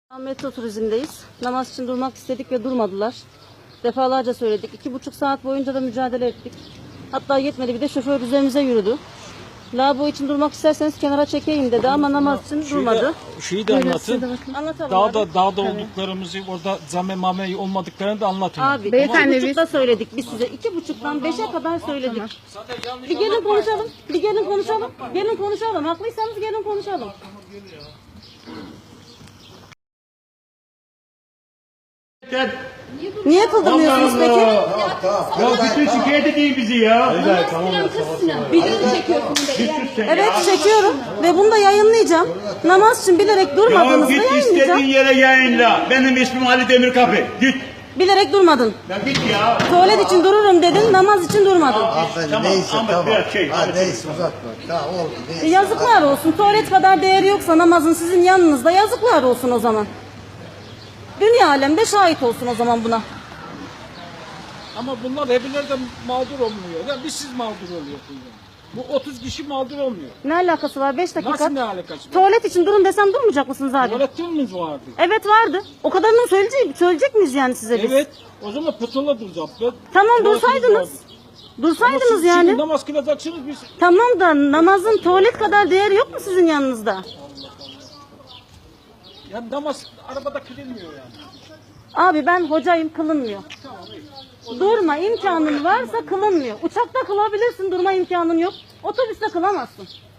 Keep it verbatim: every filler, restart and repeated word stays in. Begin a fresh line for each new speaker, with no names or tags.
Metro turizmdeyiz. Namaz için durmak istedik ve durmadılar. Defalarca söyledik. İki buçuk saat boyunca da mücadele ettik. Hatta yetmedi, bir de şoför üzerimize yürüdü. Lavabo için durmak isterseniz kenara çekeyim dedi ama namaz için
Şeyi
durmadı.
de, şeyi de anlatın.
Anlatalım
Dağda,
abi.
dağda
Evet.
olduklarımızı, orada zame mame olmadıklarını da anlatın.
Abi
Beyefendi,
iki buçukta söyledik biz size. İki buçuktan beşe kadar söyledik. Bir gelin konuşalım. Bir gelin konuşalım. Gelin konuşalım. Haklıysanız gelin konuşalım. Niye kıldırmıyorsunuz peki?
Ya bütün şikayet edeyim bizi ya.
Video çekiyorsun bir de.
Evet çekiyorum ve bunu da yayınlayacağım. Namaz için bilerek
Ya
durmadığınızda
git istediğin
yayınlayacağım.
yere yayınla. Benim ismim Ali Demirkapı. Git.
Bilerek durmadın.
Ya git ya.
Tuvalet için dururum dedin, namaz için durmadın.
Hanımefendi
Tamam,
neyse
Ahmet,
tamam.
biraz şey,
ha,
hadi.
neyse uzatma. Tamam oldu. Neyse.
Yazıklar olsun. Tuvalet kadar değeri yoksa namazın sizin yanınızda, yazıklar olsun o zaman. Dünya alemde şahit olsun o zaman buna.
Ama bunlar hepinler de mağdur olmuyor. Yani biz siz mağdur oluyorsunuz. Bu otuz kişi mağdur olmuyor.
Ne alakası var? beş dakika.
Nasıl ne alakası var?
Tuvalet için durun desem durmayacak mısınız abi?
Tuvaletimiz vardı.
Evet vardı. O kadarını söyleyecek, söyleyecek miyiz yani size biz?
Evet. O zaman putula duracağız. Ben-
Tamam
tuvaletimiz
dursaydınız.
vardı. Ama
Dursaydınız
siz
yani.
şimdi namaz kılacaksınız biz.
Tamam da namazın tuvalet kadar değeri yok mu sizin yanınızda?
Yani namaz arabada kılınmıyor yani.
Abi ben hocayım, kılınmıyor. Durma imkanın varsa kılınmıyor. Uçakta kılabilirsin, durma imkanın yok. Otobüste kılamazsın.